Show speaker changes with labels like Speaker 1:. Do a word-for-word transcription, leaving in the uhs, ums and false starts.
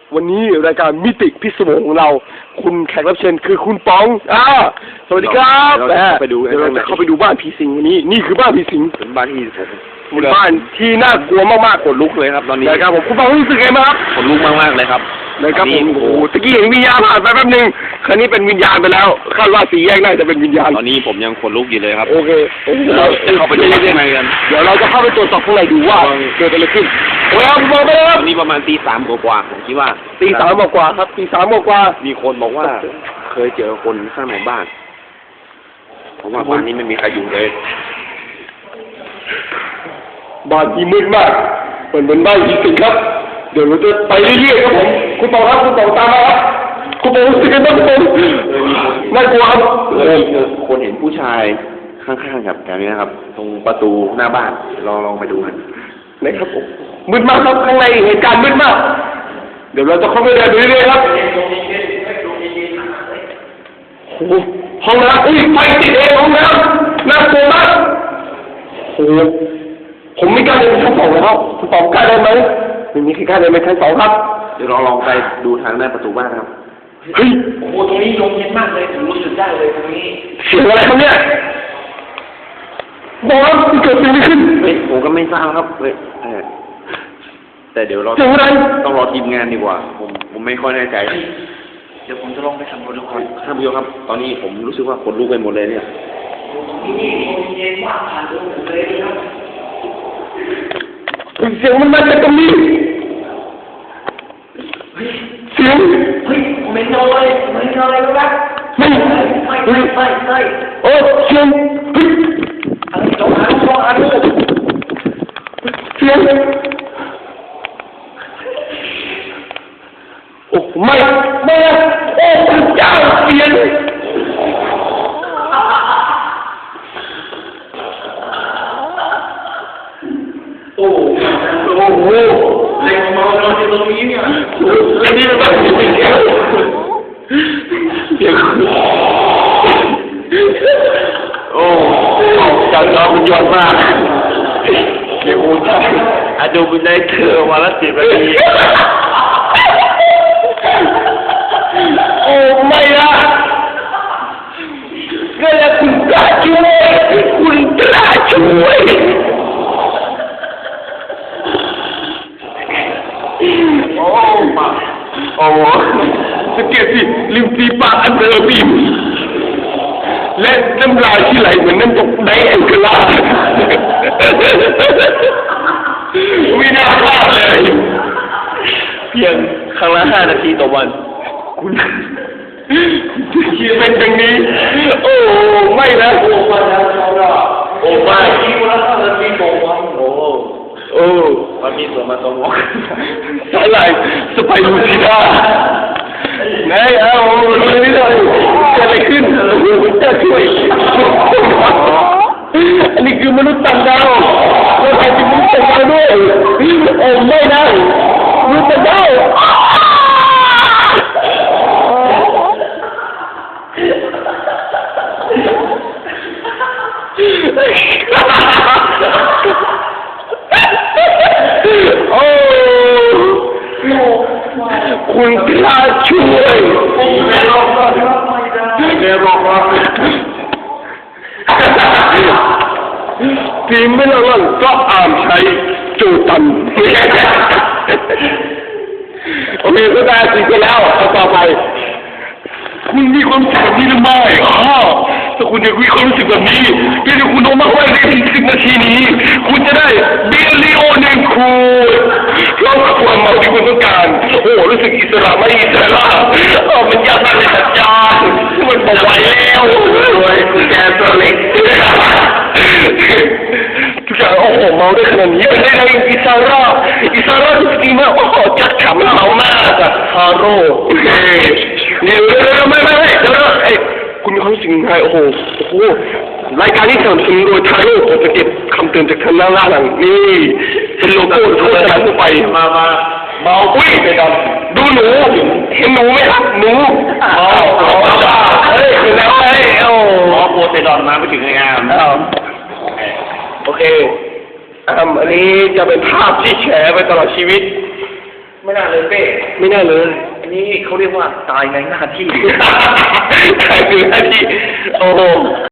Speaker 1: วันนี้รายการมิติพิศวงของเราคุณแขกรับเชิญคือคุณป๋องอ่าสวัสดีครับเดี๋ยวเราไปดูเดี๋ยวเราจะเข้าไปดูบ้านผีสิงวันนี้นี่คือบ้านผีสิง
Speaker 2: เป็นบ้านที่ผม
Speaker 1: เป็นบ้านที่น่ากลัวมากๆ
Speaker 2: ขนลุกเลยครับตอนนี้
Speaker 1: นะครับผมคุณป๋องรู้สึกไงบ้างครับ
Speaker 2: ขนลุกมากๆเลยครับ
Speaker 1: นะครับผมโอ้โหตะกี้เห็นวิญญาณผ่านไปแป๊บนึงคราวนี้เป็นวิญญาณไปแล้วคาดว่าสี่แยกน่าจะเป็นวิญญาณ
Speaker 2: ตอนนี้ผมยังขนลุกอยู่เลยครับ
Speaker 1: โอเค
Speaker 2: เราจะเข้าไปดูข้างในกัน
Speaker 1: เดี๋ยวเราจะเข้าไปตรวจสอบข้างในดูว่าเกิดอะไรขึ้นโอ้ยคุณป๋องไปแล้ว
Speaker 2: ตอนนี้ประมาณตีสามกว่าๆผมคิดว่า
Speaker 1: ตีสามกว่าครับตีสามกว่า
Speaker 2: มีคนบอกว่าเคยเจอคนข้างในบ้านผมว่าบ้านนี้ไม่มีใครอยู่เลย
Speaker 1: บ้านที่มืดมากเหมือนเป็นบ้านผีสิงครับเดี๋ยวเราจะไปเรื่อยๆครับผมคุณป๋องครับคุณป๋องตามมาครับคุณป๋องรู้สึกยังไงบ้างคุณป๋องน่ากลัวครับ
Speaker 2: เลยคนเห็นผู้ชายข้างๆกับแถวนี้นะครับตรงประตูหน้าบ้านลองลองไปดูกัน
Speaker 1: นะครับผมมืดมากครับข้างในเหตุการณ์มืดมากเดี๋ยวเราจะเข้าไปเดินเรื่อยๆครับโอ้โหห้องน้ำอุ้ยไฟติดเองห้องน้ำน่ากลัวมากโอ้โหผมไม่กล้าเดินชั้นสองแล้วคุณป๋องกล้าเดินไหมไม่มีใครกล้าเดินไปชั้นสองครับ
Speaker 2: เดี๋ยวเราลองไปดูทางหน้าประตูบ้านครับ
Speaker 1: เฮ้ย
Speaker 3: โอ้โหตรงนี้ลมเย็นมากเลยผมรู้สึกได้เลยตรงนี้
Speaker 1: เสียงอะไรครับเนี่ยบอกว่าเกิดอะไรขึ้น
Speaker 2: เฮ้ยผมก็ไม่ทราบครับเฮ้ยแต่เดี๋ยวเราต้องรอทีมงานดีกว่าผมผมไม่ค่อยแน่ใจ
Speaker 3: เดี๋ยวผมจะลองไปสำรวจดูก่อน
Speaker 2: ท่านผู้ชมครับตอนนี้ผมรู้สึกว่าขนลุกไปหมดเลยเนี่ย
Speaker 3: ที่นี่ลมเย็นมากผ่านลมเลยครับ
Speaker 1: เสียงมันมาจากตรงนี้เสียง
Speaker 3: เฮ้ยเหม็นเลยเหม็นอะไรรู้ไหม
Speaker 1: ไม่
Speaker 3: ไม่ไม่ไม่ไม่
Speaker 1: โอ้เสียงเฮ้ย
Speaker 3: อะไรลองหาดูลองหาดู
Speaker 1: เสียงโอ้ไม่ไม่โอ้พระเจ้าเสียง
Speaker 3: โอ้โหโอ้โหเล็กมากเลยตรงนี้เนี่ย
Speaker 1: อันนี้มันแบบเสียงเสียงโอ้จังเราเป็นยอดมากเสียงโอ้ใช่
Speaker 2: อะดูเป็นได้เธอวันละสิบนาที
Speaker 1: โอ้ไม่ละก็แล้วคุณกล้าช่วยคุณกล้าช่วยโอ้มาโอ้สังเกตสิริมฝีปากอันเดอร์บีมและน้ำลายที่ไหลเหมือนน้ำตกไดแองเกล่าไม่น่าพลาดเลย
Speaker 2: เพียงครั้งละห้านาทีต่อวัน
Speaker 1: คุณคิดเป็นอย่างนี้โอ้ไม่นะ
Speaker 3: โอ้มาแล้วเรา
Speaker 1: โอ้ไม่
Speaker 3: ที่วันละห้านาทีต่อวันโอ้
Speaker 1: โอ้
Speaker 2: มันมีส่วนมาตรงนี้
Speaker 1: อะไรสไปรูซิน่าไหนเอาดูนี่หน่อยเกิดอะไรขึ้นมันจะช่วยอันนี้คือมนุษย์ต่างดาวเราไปเป็นมนุษย์ต่างดาวด้วยโอ้ไม่นะมนุษย์ต่างดาวโอ้คุณกล้าช่วย
Speaker 3: ไม่รอดไม่รอด
Speaker 1: ไม่รอดทีมไม่รอดก็อ่านใช้โจตันโอเคก็ได้สิไปแล้วต่อไปคุณมีความรู้สึกแบบนี้หรือไม่อ๋อถ้าคุณยังมีความรู้สึกแบบนี้เดี๋ยวคุณต้องมาไว้ในสิบนาทีนี้คุณจะได้เบียร์ลีโอหนึ่งขวดเพราะความเมาที่คุณต้องการโอ้รู้สึกอิสระไม่อิสระอ๋อมันยากมากเลยอาจารย์มันบอกไว้แล้วรวยคุณแกตัวเล็กทุกอย่างโอ้โหเมาได้ขนาดนี้เป็นได้ไงอิสระอิสระรู้สึกดีมากโอ้โหจัดฉ่ำเมามากอะฮาโร่เดี๋ยวเดี๋ยวไม่ไม่ไม่เดี๋ยวไอ้คุณมีความรู้สึกยังไงโอ้โหโอ้โหรายการนี้สนับสนุนโดยทาโร่ผมจะเก็บคำเตือนจากทางหน้าหลังนี่เป็นโลโก้โทษฉันไปมามาเมาอุ้ยไปดำดูหนูเห็นหนูไหมครับหนูเมาเมาเฮ้ยคือแล้วไอ้โอ้
Speaker 2: หมอโปรเตดอนมาไม่ถึงงาน
Speaker 1: โอเคอันนี้จะเป็นภาพที่แชร์ไปตลอดชีวิต
Speaker 3: ไม่น่าเลยเป้
Speaker 1: ไม่น่าเลย
Speaker 3: อันนี้เขาเรียกว่าตายในหน้าที่
Speaker 1: ใครคือหน้าที่โอ้โห